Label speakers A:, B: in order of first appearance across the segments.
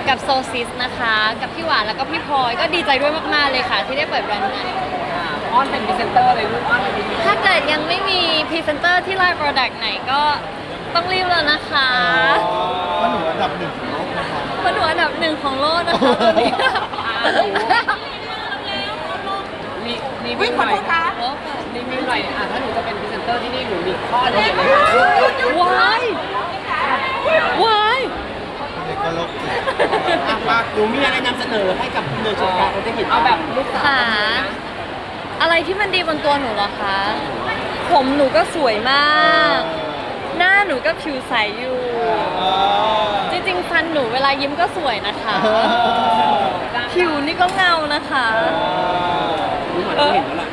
A: กับโซซิสนะคะกับพี่หวานแล้วก็พี่พลอยก็ดีใจด้วยมากๆเลยค่ะที่ได้เปิดแบรนด์ใหม่
B: อ้อนเป็นพรีเซนเตอร์เลยลูกอ้อนเป็นพรีเซนเตอร์
A: ถ้าเกิดยังไม่มีพรีเซนเตอร์ที่ไลน์โปรดักต์ไหนก็ต้องรีบแล้วนะคะ
C: ว่าหนูอันดับหนึ่งของโลกนะคะ
A: เพราะหนูอันดับหนึ่งของโลกนะคะตอนนี้
B: มีวิ่งหน่อยรีวิวหน่อยถ้าหนูจะเป็นพรีเซนเตอร์ที่นี่หนูมีข้อเดียวเลย
A: ว้ายวาย
C: เด็กก็โลกจิต
B: ว่าหนูมีอะไรนำเสนอให้กับคุณเนยชมการเขาจะเห็นเอาแบบลูกสาว
A: ค่ะอะไรที่มันดีบนตัวหนูเหรอคะ ผมหนูก็สวยมาก หน้าหนูก็ผิวใสอยู่ จริงๆฟันหนูเวลายิ้มก็สวยนะคะ ผิวนี่ก็เงานะคะ
B: หนูเหมือนเห็นแล้วแหละ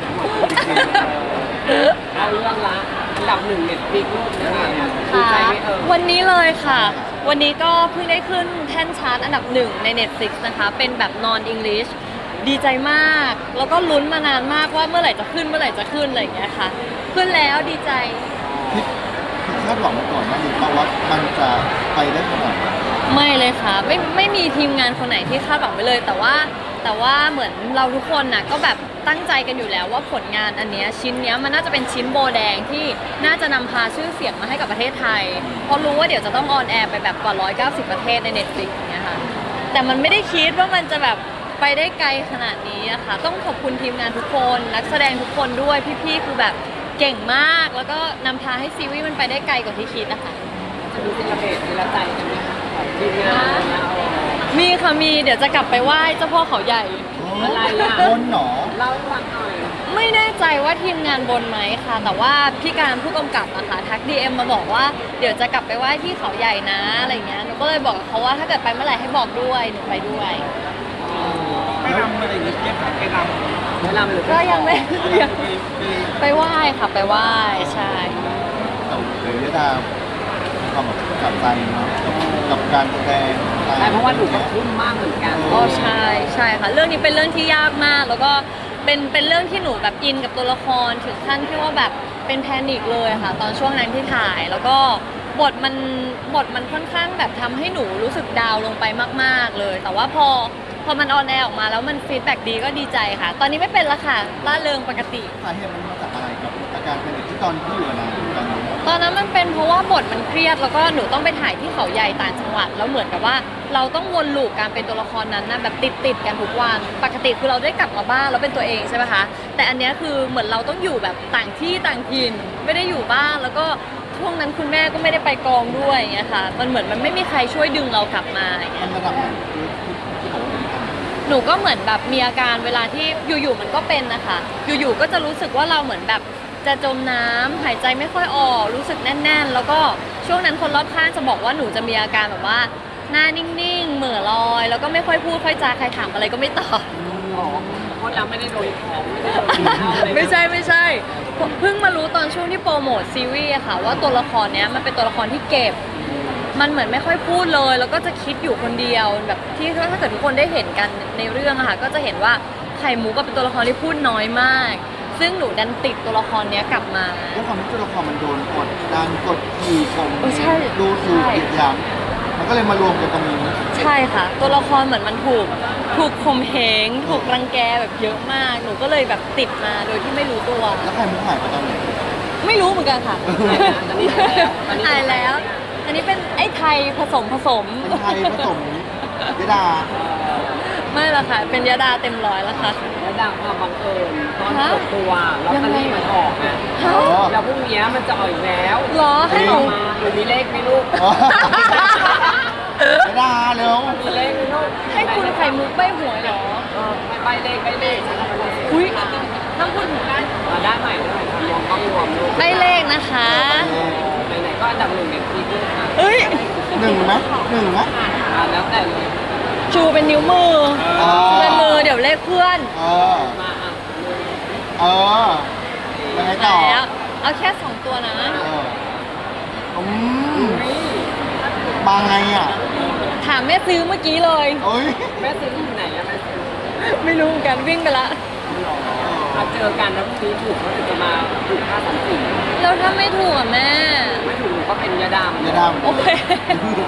B: เอาเรื่องละอันดับหนึ่งเน็ตฟลิกลูกนะคะดีใจไหม
A: วันนี้เลยค่ะ วันนี้ก็เพิ่งได้ขึ้นแท่นชาร์ตอันดับหนึ่งใน Netflix นะคะ เป็นแบบ non English ดีใจมาก แล้วก็ลุ้นมานานมากว่าเมื่อไหร่จะขึ้นอะไรอย่างเงี้ยค่ะ ขึ้นแล้วดีใจ
C: คิดคาดหวังมาก่อนนะหรือเปล่าว่ามันจะไปได้ขนาดไหน
A: ไม่เลยค่ะ ไม่มีทีมงานคนไหนที่คาดหวังไปเลย แต่ว่าเหมือนเราทุกคนน่ะก็แบบตั้งใจกันอยู่แล้วว่าผลงานอันเนี้ยชิ้นเนี้ยมันน่าจะเป็นชิ้นโบแดงที่น่าจะนำพาชื่อเสียงมาให้กับประเทศไทยเพราะรู้ว่าเดี๋ยวจะต้องออนแอร์ไปแบบกว่า190ประเทศใน Netflix อย่างเงี้ยค่ะแต่มันไม่ได้คิดว่ามันจะแบบไปได้ไกลขนาดนี้อะค่ะต้องขอบคุณทีมงานทุกคนนักแสดงทุกคนด้วยพี่ๆคือแบบเก่งมากแล้วก็นำพาให้ซีรีส์มันไปได้ไกลกว่าที่คิดอะค่ะ
B: จะมีศิลปะศิลปใจกันไหมคะทีมงาน
A: มีค่ะมีเดี๋ยวจะกลับไปไหว้เจ้าพ่อเขาใหญ่
B: อะไรอ่ะ
C: บนหนอ
B: เล่าให้ฟังหน่อย
A: ไม่แน่ใจว่าทีมงานบนไหมค่ะ แต่ว่าพี่การผู้กำกับอะค่ะทัก DM มาบอกว่าเดี๋ยวจะกลับไปไหว้ที่เขาใหญ่นะอะไรเงี้ยหนูก็เลยบอกกับเขาว่าถ้าเกิดไปเมื่อไหร่ให้บอกด้วยหนูไปด้วย
B: ไม่รำอะไรอย่างเงี้ยไม่รำหรือ
A: ก็ยังไม่ยังไปไหว้ค่ะไปไหว้ใช่
C: แต่เลยยดาความแบบกับใจเนาะกับการแสดง
B: ใช่เพราะว่าหนูก็ทุ่มมากเหมือนกัน
A: อ๋อใช่ใช่ค่ะเรื่องนี้เป็นเรื่องที่ยากมาก แล้วก็เป็นเรื่องที่หนูแบบอินกับตัวละครถึงขั้นที่ว่าแบบเป็นแพนิคเลยค่ะ ตอนช่วงนั้นที่ถ่าย แล้วก็บทมันค่อนข้างแบบทำให้หนูรู้สึกดาวน์ลงไปมากๆเลย แต่ว่าพอมันออนแอร์ออกมาแล้วมันฟีดแบ็กดีก็ดีใจค่ะ ตอนนี้ไม่เป็นละค่ะล่าเริงปกติ
C: สาเหตุมันมาจากอะไรกับอาการเป็นที่ตอนที่อยู่นะตอนนี้
A: ตอนนั้นมันเป็นเพราะว่าบทมันเครียดแล้วก็หนูต้องไปถ่ายที่เขาใหญ่ต่างจังหวัดแล้วเหมือนกับว่าเราต้องวนลูปการเป็นตัวละครนั้นนะแบบติดกันทุกวันปกติคือเราได้กลับมาบ้านแล้วเป็นตัวเองใช่ไหมคะแต่อันเนี้ยคือเหมือนเราต้องอยู่แบบต่างที่ต่างถิ่นไม่ได้อยู่บ้านแล้วก็ช่วงนั้นคุณแม่ก็ไม่ได้ไปกองด้วยอย่างเงี้ยค่ะมันเหมือนมันไม่มีใครช่วยดึงเรากลับมาอย่างเงี้
C: มัน
A: ย
C: ระดับไหนที่บอกว่าเป็นอัน
A: หนูก็เหมือนแบบมีอาการเวลาที่อยู่ๆมันก็เป็นนะคะอยู่ๆก็จะรู้สึกว่าเราเหมือนแบบจะจมน้ำหายใจไม่ค่อยออกรู้สึกแน่นๆ แล้วก็ช่วงนั้นคนรอบข้างจะบอกว่าหนูจะมีอาการแบบว่าหน้านิ่งๆเหม่อลอย แล้วก็ไม่ค่อยพูดค่อยจาใครถามอะไรก็ไม่ตอบ
B: เพราะเราไม่ได้โดนของไม่ได้โดนกินข้าวอะไร
A: ไม่ใช่เพิ่งมารู้ตอนช่วงที่โปรโมทซีรีส์อะค่ะว่าตัวละครเนี้ยมันเป็นตัวละครที่เก็บ มันเหมือนไม่ค่อยพูดเลย แล้วก็จะคิดอยู่คนเดียวแบบที่ถ้าเกิดทุกคนได้เห็นกันในเรื่องอะค่ะก็จะเห็นว่าไข่มุกก็เป็นตัวละครที่พูดน้อยมาก ซึ่งหนูดันติดตัวละครเนี้ยกลับมา
C: ด้วยความที่ตัวละครมันโดนกดดันกดขี่ข่ม
A: ใช่
C: ดูถูก
A: ใช่
C: เหยียดหยามมันก็เลยมารวมกันตรงนี้
A: ใช่ค่ะ ตัวละครเหมือนมันถูกข่มเหงถูกรังแกแบบเยอะมาก หนูก็เลยแบบติดมาโดยที่ไม่รู้ตัว
C: แล้วใครมุกหายไปตอนไหน
A: ไม่รู้เหมือนกันค่ะ
B: ตอนนี้หายแล้ว
A: หายแล้ว อันนี้เป็นไอ้ไทยผสม
C: เป็นไทยผสมยดา
A: ไม่ละค่ะ เป็นยาดาเต็มร้อยแล้วค่ะ
B: แล้วดังความบังเอิญตอนเปิดตัวลอตเตอรี่มันออกไง
A: ฮะ
B: แล้วพรุ่งนี้มันจะออกอีกแล้ว
A: เหรอให้หนู
B: มาหนูมีเลขไหมลูก
C: อ๋อยดาเร็ว
B: มีเลขไหมลูก
A: ให้คุณไข่มุกใบหวยเหรอ
B: ไปเลข
A: อุ้ยต้องพูดถึงได้
B: ได้ใหม่รวมต้องรวมลูก
A: ใบเลขนะคะ
B: ไหนๆก็อันดับหนึ่งในทีลูกค่ะ
A: เอ้ย
C: หนึ่งไหม
B: แล้วแต่เลย
A: ชูเป็นนิ้วมือชูเป็นมือเดี๋ยวเลขเพื่อน
B: มาอ่ะ
C: เออยังไงต่อ
A: แล้วเอาแค่2ตัวนะ
C: อืมมาไงอ่ะ
A: ถามแม่ซื้อเมื่อกี้เลย
C: โอ้ย
B: แม่ซื้อที่ไหนอะแม่ซื้อ
A: ไม่รู้เหมือนกันวิ่งไปละ
B: มาเจอกันแล้วพรุ่งนี้ถูกเขาจะมาถูกค่าสัมผัส
A: แล้วถ้าไม่ถูกอ่ะแม่
B: ไม่ถูกก็เป็นยาดาม
C: ยดา
A: โอเค
C: หนู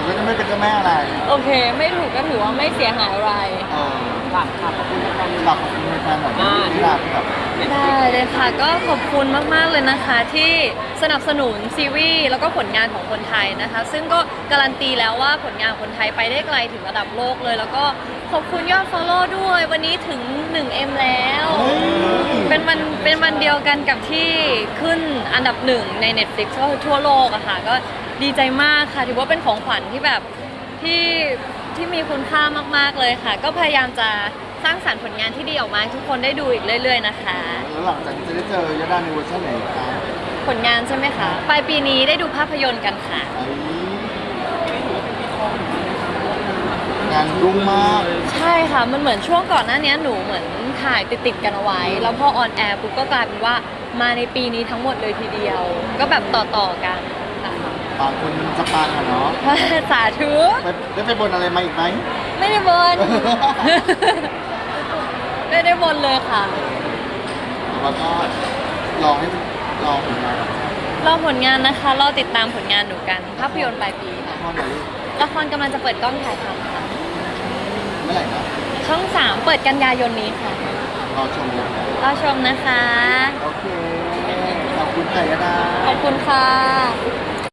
C: ก็จะไม่เป็นเจ้าแม่อะไร
A: โอเค ไม่ถูกก็ถือว่าไม่เสียหายอะไร
C: เออ
B: ฝากขอบคุณแฟน
C: ฝากขอบคุณแฟนๆหน่อยที่รักแบบ
A: ได้เลยค่ะก็ขอบคุณมาก ๆ เลยนะคะที่สนับสนุนซีรีส์แล้วก็ผลงานของคนไทยนะคะ ซึ่งก็การันตีแล้วว่าผลงานคนไทยไปได้ไกลถึงระดับโลกเลย แล้วก็ขอบคุณยอด follow ด้วยวันนี้ถึง 1M แล้ว เป็นวันเดียวกันกับที่ขึ้นอันดับหนึ่งใน Netflix ก็คือทั่วโลกอะค่ะก็ดีใจมากค่ะถือว่าเป็นของขวัญที่แบบที่มีคุณค่ามากๆเลยค่ะ ก็พยายามจะสร้างสรรค์ผลงานที่ดีออกมาให้ทุกคนได้ดูอีกเรื่อย ๆ นะคะ
C: แล้วหลังจากนี้จะได้เจอยดาในเวอร์ชันไหนคะ
A: ผลงานใช่ไหมคะปลายปีนี้ได้ดูภาพยนตร์กันค่ะ
C: งานรุ่งมาก
A: ใช่ค่ะ มันเหมือนช่วงก่อนหน้านี้หนูเหมือนถ่ายติดๆกันเอาไว้ แล้วพอออนแอร์ปุ๊บก็กลายเป็นว่ามาในปีนี้ทั้งหมดเลยทีเดียว ก็แบบต่อๆกันค่ะ
C: บางคนจะปังอะเนาะ
A: สาธุ
C: ได้ไปบนอะไรมาอีกไหม
A: ไม่ได้บน ไม่ได้บนเลยค่ะ
C: แล้วก็ลองให้ลองผลงาน
A: รอผลงานนะคะ รอติดตามผลงานหนูกัน ภาพยนตร์ปลายปีค่ะ
C: ข้อไหนลูก
A: ละครกำลังจะเปิดกล้องถ่ายทำค่ะ
C: เมื่อไหร่นะ
A: ช่อง 3 เปิดกันยายนนี้ค่ะ
C: รอชมเลยนะ
A: รอชมนะคะ
C: โอเค ขอบคุณไก่ยดา
A: ขอบคุณค่ะ